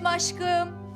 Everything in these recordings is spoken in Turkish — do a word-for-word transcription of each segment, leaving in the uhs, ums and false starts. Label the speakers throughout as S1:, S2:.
S1: geldim aşkım.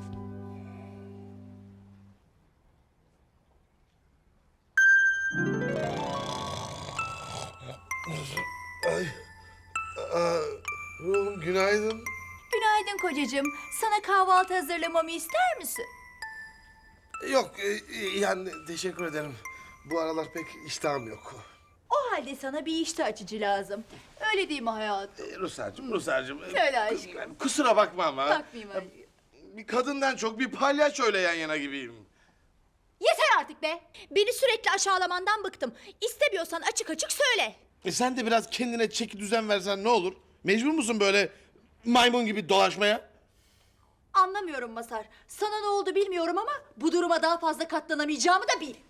S2: Ay, aa, ruhum günaydın.
S1: Günaydın kocacığım. Sana kahvaltı hazırlamamı ister misin?
S2: Yok, e, yani teşekkür ederim. Bu aralar pek iştahım yok.
S1: O halde sana bir iştah açıcı lazım. Öyle değil mi hayatım?
S2: E, Ruslarcığım, Ruslarcığım. e,
S1: Söyle
S2: kus-
S1: aşkım.
S2: Kusura bakma ama.
S1: Bakmayayım aşkım.
S2: Bir kadından çok bir palyaçoyla yan yana gibiyim.
S1: Yeter artık be! Beni sürekli aşağılamandan bıktım. İstemiyorsan açık açık söyle.
S2: E sen de biraz kendine çeki düzen versen ne olur? Mecbur musun böyle maymun gibi dolaşmaya?
S1: Anlamıyorum Masar. Sana ne oldu bilmiyorum ama bu duruma daha fazla katlanamayacağımı da bil.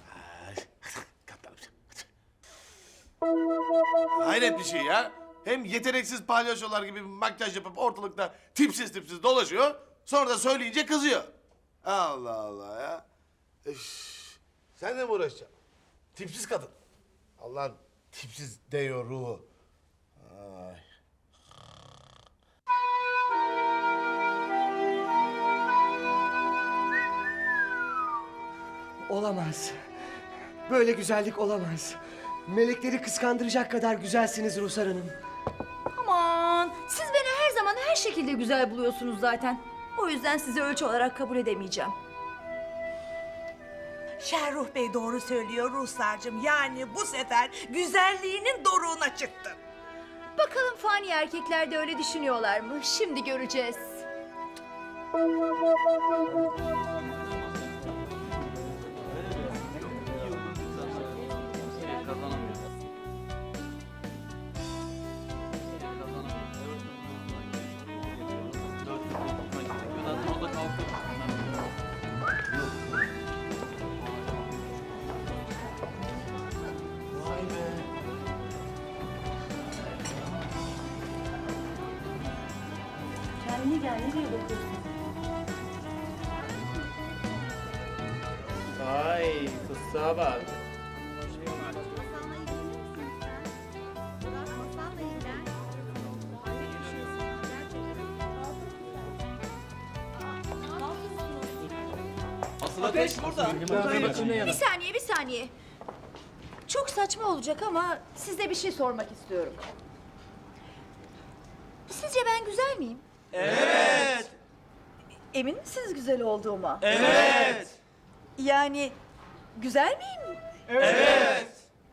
S2: Hayret bir şey ya. Hem yeteneksiz palyaçolar gibi makyaj yapıp ortalıkta tipsiz tipsiz dolaşıyor. Sonra da söyleyince kızıyor. Allah Allah ya. Üf. Sen de mi uğraşacaksın? Tipsiz kadın. Allah'ın tipsiz deyo ruhu. Ay.
S3: Olamaz. Böyle güzellik olamaz. Melekleri kıskandıracak kadar güzelsiniz Ruhsar Hanım.
S1: Aman siz beni her zaman her şekilde güzel buluyorsunuz zaten. O yüzden sizi ölçü olarak kabul edemeyeceğim.
S4: Şerruh Bey doğru söylüyor Ruhsar'cığım. Yani bu sefer güzelliğinin doruğuna çıktın.
S1: Bakalım fani erkekler de öyle düşünüyorlar mı? Şimdi göreceğiz. Kendine gel, nereye bakıyorsun?
S5: Vay fıstığa bak. Ateş burada.
S1: Bir saniye, bir saniye. Çok saçma olacak ama size bir şey sormak istiyorum. Sizce ben güzel miyim?
S5: Evet.
S1: Emin misiniz güzel olduğuma?
S5: Evet.
S1: Yani güzel miyim?
S5: Evet.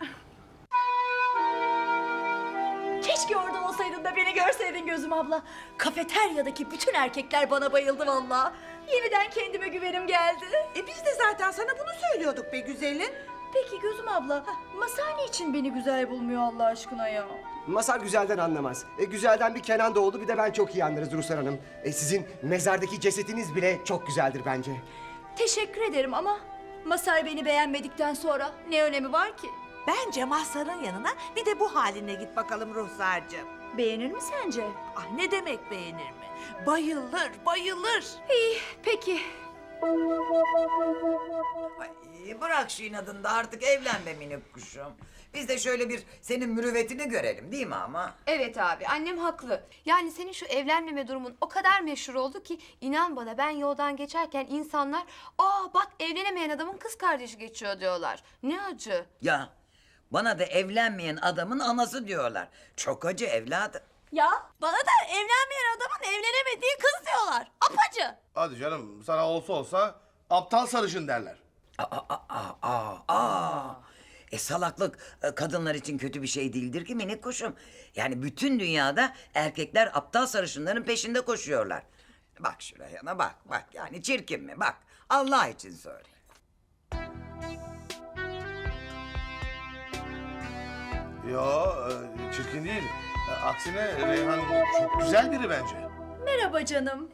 S1: Keşke orada olsaydın da beni görseydin gözüm abla. Kafeteryadaki bütün erkekler bana bayıldı vallahi. Yeniden kendime güvenim geldi.
S4: E biz de zaten sana bunu söylüyorduk be güzelim.
S1: Peki gözüm abla, Masar niçin beni güzel bulmuyor Allah aşkına ya?
S3: Masar güzelden anlamaz. E, güzelden bir Kenan doğdu, bir de ben çok iyi anlarız Ruhsar Hanım. E, sizin mezardaki cesetiniz bile çok güzeldir bence.
S1: Teşekkür ederim ama Masar beni beğenmedikten sonra ne önemi var ki?
S4: Bence Mazhar'ın yanına bir de bu haline git bakalım Ruhsar'cığım.
S1: Beğenir mi sence?
S4: Ah ne demek beğenir mi? Bayılır, bayılır.
S1: İyi, peki.
S6: Ay, bırak şu inadını da artık evlen be minik kuşum. Biz de şöyle bir senin mürüvvetini görelim değil mi ama?
S7: Evet abi, annem haklı. Yani senin şu evlenmeme durumun o kadar meşhur oldu ki inan bana ben yoldan geçerken insanlar aa bak evlenemeyen adamın kız kardeşi geçiyor diyorlar. Ne acı.
S6: Ya bana da evlenmeyen adamın anası diyorlar. Çok acı evladım.
S1: Ya bana da evlenmeyen adamın evlenemediği kız diyorlar. Apacı.
S2: Hadi canım, sana olsa olsa aptal sarışın derler.
S6: Aa, aa, aa, aa, aa. E salaklık e, kadınlar için kötü bir şey değildir ki minik kuşum. Yani bütün dünyada erkekler aptal sarışınların peşinde koşuyorlar. Bak şuraya bak bak yani çirkin mi bak Allah için söyle.
S2: Yo, e, çirkin değil. E, Aksine Reyhan çok güzel biri bence.
S1: Merhaba canım.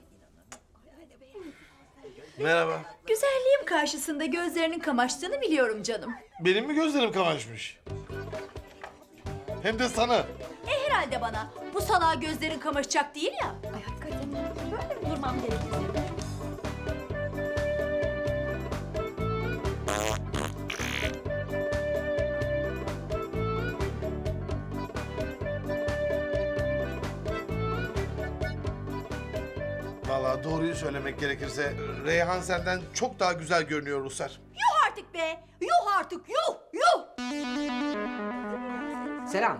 S2: Merhaba.
S1: Güzelliğim karşısında gözlerinin kamaştığını biliyorum canım.
S2: Benim mi gözlerim kamaşmış? Hem de sana.
S1: E herhalde bana. Bu salağa gözlerin kamaşacak değil ya. Ay hakikaten böyle mi durmam gerekiyor?
S2: Vallahi doğruyu söylemek gerekirse Reyhan senden çok daha güzel görünüyor Ruslar.
S1: Yuh artık be! Yuh artık yuh yuh!
S3: Selam.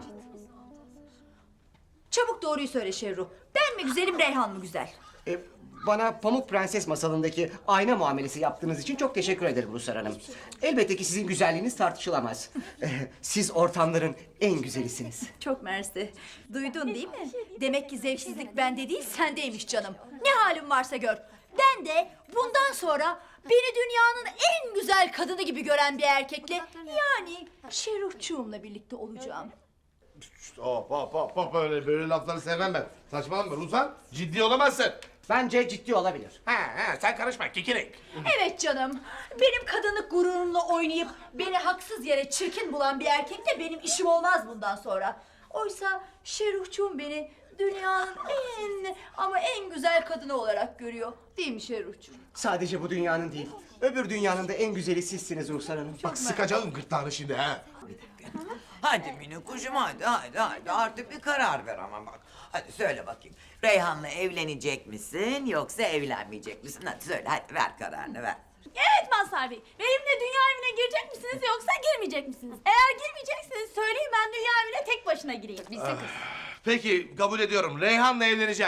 S1: Çabuk doğruyu söyle Şerru. Ben mi güzelim Reyhan mı güzel?
S3: E, bana Pamuk Prenses masalındaki ayna muamelesi yaptığınız için çok teşekkür ederim Ruslar Hanım. Elbette ki sizin güzelliğiniz tartışılamaz. E, Siz ortamların en güzelisiniz.
S1: Çok mersi. Duydun değil mi? Demek ki zevksizlik bende değil sendeymiş canım. Ne halin varsa gör. Ben de bundan sonra beni dünyanın en güzel kadını gibi gören bir erkekle yani Şeruhçuğumla birlikte olacağım.
S2: Hop hop hop hop öyle böyle lafları sevmem ben. Saçmalama Ruslan, ciddi olamazsın.
S3: Bence ciddi olabilir.
S2: Ha ha sen karışma kekirik.
S1: Evet canım. Benim kadınlık gururumla oynayıp beni haksız yere çirkin bulan bir erkekle benim işim olmaz bundan sonra. Oysa Şeruhçuğum beni dünyanın en ama en güzel kadını olarak görüyor. Değil mi Şeruhçuğum?
S3: Sadece bu dünyanın değil, öbür dünyanın da en güzeli sizsiniz Ruslar Hanım.
S2: Bak sıkacağım gırtlağını şimdi ha.
S6: Hadi minik kuşum hadi hadi hadi artık bir karar ver ama bak. Hadi söyle bakayım. Reyhan'la evlenecek misin yoksa evlenmeyecek misin? Hadi söyle hadi ver kararını ver.
S1: Evet Mazhar Bey. Benimle dünya evine girecek misiniz yoksa girmeyecek misiniz? Eğer girmeyecekseniz söyleyin ben dünya evine tek başına gireyim. Biz de kız.
S2: Peki kabul ediyorum. Reyhan'la evleneceğim.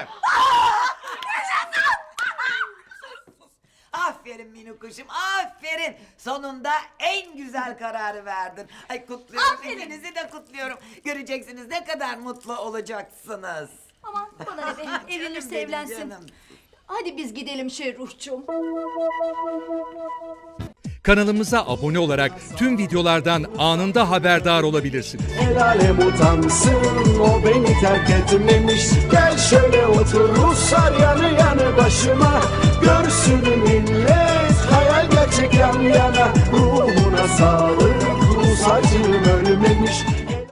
S6: Aferin minik kuşum aferin. Sonunda en güzel kararı verdin. Ay kutluyorum
S1: Aferin.
S6: ikinizi de kutluyorum. Göreceksiniz ne kadar mutlu olacaksınız.
S1: Aman bana ne be evlenirse
S6: benim
S1: evlensin.
S6: canım.
S1: Hadi biz gidelim Şerruhçuğum.
S8: Kanalımıza abone olarak tüm videolardan anında haberdar olabilirsiniz.
S9: El alem utansın o beni terk etmemiş. Gel şöyle otur Ruslar yanı yanı başıma. Görsün millet hayal gerçek yan yana. Ruhuna sağlık Rus acım